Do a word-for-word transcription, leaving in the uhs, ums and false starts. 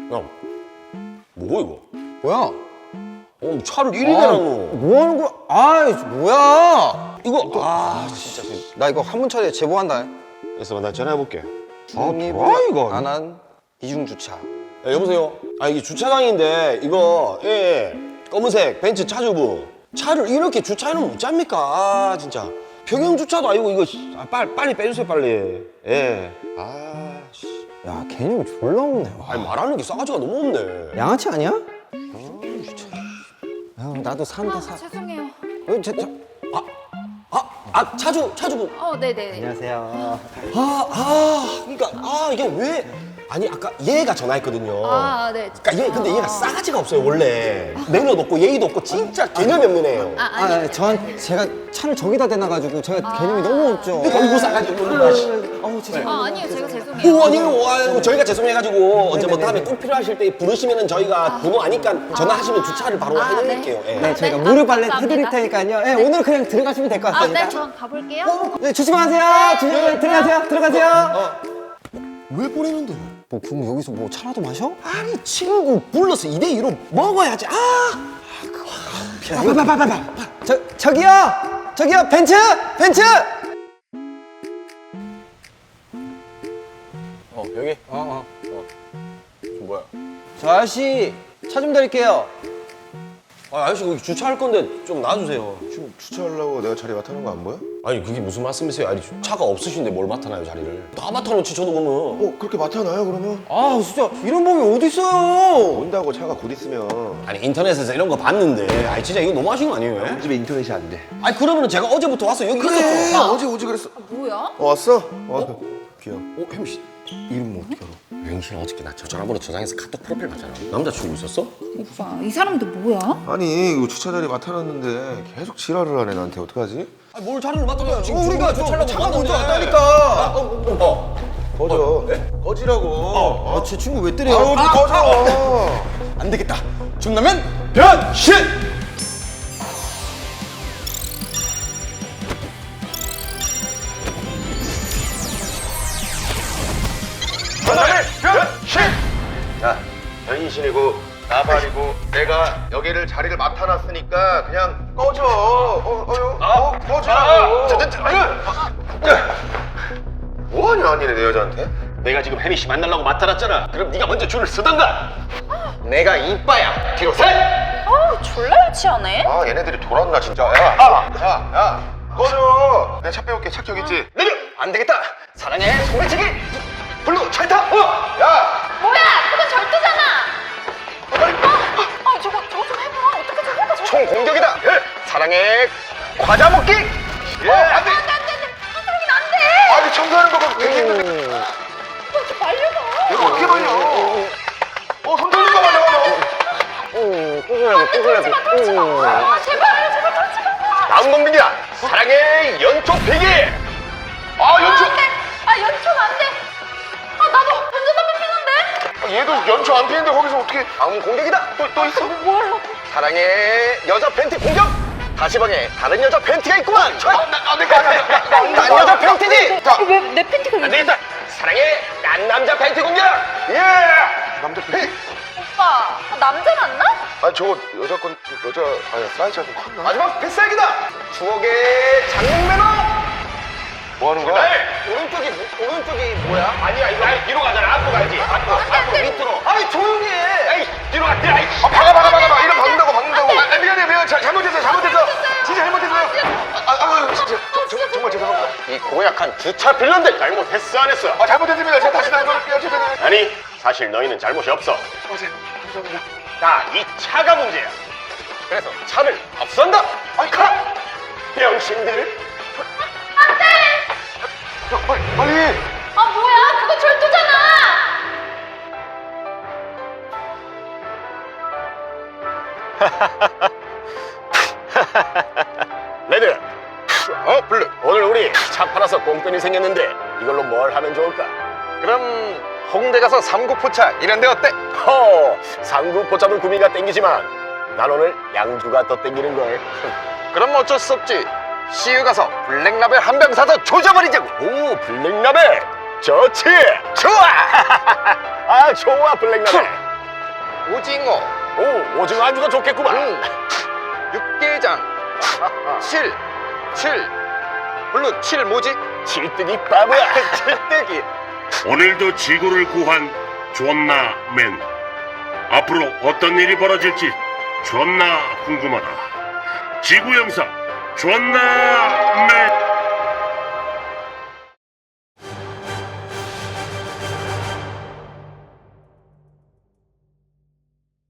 야, 뭐 이거? 뭐야? 어, 차를 이리 대놨노. 뭐 하는 거야? 아이, 뭐야? 이거, 아, 진짜. 나 이거 한문 처리에 제보한다. 그래서 나 전화해볼게. 뭐야, 이거? 안한 이중주차. 야, 여보세요? 아, 이게 주차장인데, 이거, 예, 예. 검은색 벤츠 차주부. 차를 이렇게 주차해놓으면 못 잡니까? 아, 진짜. 평형 주차도 아니고, 이거, 아, 빨리, 빨리 빼주세요, 빨리. 예. 아, 씨. 야, 개념이 졸라 없네. 와. 아니, 말하는 게 싸가지가 너무 없네. 양아치 아니야? 아, 나도 산다, 아, 사. 죄송해요. 어, 저, 저. 아, 아, 차주, 차주부. 어, 네네. 안녕하세요. 아, 아, 그러니까, 아, 이게 왜. 아니, 아까 얘가 전화했거든요. 아, 네. 그러니까 얘, 근데 얘가 싸가지가 없어요, 원래. 매너도 없고, 예의도 없고, 진짜 개념이 없는 애예요. 아, 아, 아니. 아, 전 제가 차를 저기다 대놔가지고 제가 개념이 너무 없죠. 어이구, 싸가지 없는 거. 씨. 어우, 죄송해요. 아, 아니요. 제가 죄송해요. 오, 아니요. 아유, 저희가 죄송해가지고 언제 뭐 다음에 꼭 필요하실 때 부르시면은 저희가 번호 아니까 전화하시면 주차를 바로 아, 해드릴게요. 예. 네, 저희가 네, 무료 아, 발레 감사합니다. 해드릴 테니까요. 네, 오늘 그냥 들어가시면 될 것 아, 같습니다. 네. 저 가볼게요. 네, 조심하세요. 조심히 들어가세요. 들어가세요. 왜 보내는데? 뭐, 그럼 여기서 뭐 차라도 마셔? 아니, 친구 불러서 이 대 이로 먹어야지. 아! 아, 그거. 빨빨빨빨빨. 저 저기요. 저기요. 벤츠. 벤츠. 어, 여기? 어, 어. 뭐야? 저 아저씨 차 좀 드릴게요. 아, 아저씨, 거기 주차할 건데 좀 놔주세요. 지금 주차하려고 내가 자리 맡아놓은 거 안 보여? 아니, 그게 무슨 말씀이세요? 아니, 차가 없으신데 뭘 맡아놔요, 자리를. 다 맡아놓지, 저도 그러면. 어 그렇게 맡아놔요 그러면? 아, 진짜 이런 법이 어디 있어요? 온다고 차가 곧 있으면 아니, 인터넷에서 이런 거 봤는데. 아니, 진짜 이거 너무 하신 거 아니에요? 우리 집에 인터넷이 안 돼. 아니, 그러면은 제가 어제부터 와서 여기 있었죠. 아, 어제 오지 그랬어. 뭐야? 어, 왔어? 어, 귀여워. 어, 혜미 씨. 이름 뭐 어떻게 알아? 혜미 씨는 어저께 나 저 전화번호 저장해서 카톡 프로필 봤잖아. 남자친구 있었어? 오빠, 이 사람들 뭐야? 아니 이거 주차 자리 맡아놨는데 계속 지랄을 하네 나한테. 어떡하지? 아니, 뭘 자리를 맡아줘요. 지금 어, 우리가 주차라고 차가 먼저 왔다니까. 왔다니까. 어, 어, 어. 거져. 거지라고. 아, 제 친구 왜 때려요? 아우 아, 거져. 안 되겠다. 준다면 변신! 전남의 변신! 야, 변신이고 나발이고 내가 여기를 자리를 맡아놨으니까 그냥 꺼져. 어, 어, 어, 꺼지라고. 저, 저, 저, 아유. 뭐하냐 아니네 내 여자한테? 내가 지금 혜미 씨 만나려고 맡아놨잖아. 그럼 네가 먼저 줄을 서던가. 내가 이빠야. 뒤로 셋! 어, 졸라 유치하네. 아 얘네들이 돌았나 진짜. 야, 야, 야, 야, 꺼져. 내가 차 빼올게. 차 저기 있지. 내려! 안 되겠다. 사랑해, 소매치기! 블루, 찰타! 어! 야, 뭐야? 그건 절도잖아. 아, 아, 저거 저거 좀 해봐. 어떻게 좀 해봐. 저거. 총 공격이다. 예. 사랑해, 과자 먹기. 예. 어, 안 돼. 안 돼, 안 돼, 안 돼. 한사람이는 안 돼. 아니 청소하는 거 보면 되게 힘든데. 오빠 좀 말려봐. 이거 어떻게 말려? 어, 손 돌린 거 말려. 안 돼, 그러지 마, 그러지 마. 아, 제발, 제발 그러지 마. 다음 공격이다. 사랑해, 연초 피기. 아, 아, 연초. 안 돼. 아, 연초는 안 돼. 아, 나도 운전담배 피는데. 얘도 연초 안 피는데 거기서 어떻게? 다음 공격이다. 또, 또 있어? 뭐 하려고? 사랑해, 여자 팬티 공격. 다시 방에 다른 여자 팬티가 있구만. 아, 나, 나, 내가 난 여자 팬티지. 자, 왜 내 팬티가 안 왜? 되겠다. 사랑해, 난 남자 팬티 공격. 예. 남자 팬티. 오빠, 아, 남자 맞나? 아, 저거 여자 건 여자 아니 사이즈가 좀 컸나? 마지막 필살기다. 추억의 장롱 매너. 뭐 하는 거야? 오른쪽이, 오른쪽이 뭐야? 아니야, 이거. 아니, 뒤로 가잖아. 앞으로 가야지. 앞으로, 앞으로, 밑으로. 아니, 조용히 해. 에이, 뒤로 가, 뒤로 가. 에이, 아, 박아, 박아, 박아, 박아. 이런 박는다고, 박는다고. 아, 미안해, 미안해. 자, 잘못했어요, 잘못했어. 진짜 잘못했어요. 아, 아, 아, 진짜. 저, 저, 정말 죄송합니다. 이 고약한 주차 빌런들 잘못했어, 안 했어? 아, 잘못했습니다. 제가 다시 날걸을게요. 죄송해요. 아니, 사실 너희는 잘못이 없어. 맞아요. 감사합니다. 자, 이 차가 문제야. 그래서 차를 없앤다. 아이, 가! 병신들. 야, 빨리, 빨리. 아, 뭐야? 그거 절도잖아. 레드, 어, 블루. 오늘 우리 차 팔아서 꽁돈이 생겼는데 이걸로 뭘 하면 좋을까? 그럼 홍대 가서 삼국포차 이런 데 어때? 허, 상구포차도 구미가 땡기지만 난 오늘 양주가 더 땡기는걸. 그럼 어쩔 수 없지. 씨유 가서 블랙라벨 한 병 사서 조져버리자고. 오, 블랙라벨 좋지. 좋아. 아, 좋아, 블랙라벨. 오징어. 오, 오징어 안주가 좋겠구만. 응. 육개장. 칠. 칠. 물론 칠 뭐지? 칠뜨기 바보야. 칠뜨기. 오늘도 지구를 구한 존나 맨. 앞으로 어떤 일이 벌어질지 존나 궁금하다. 지구 영상 존나 맨.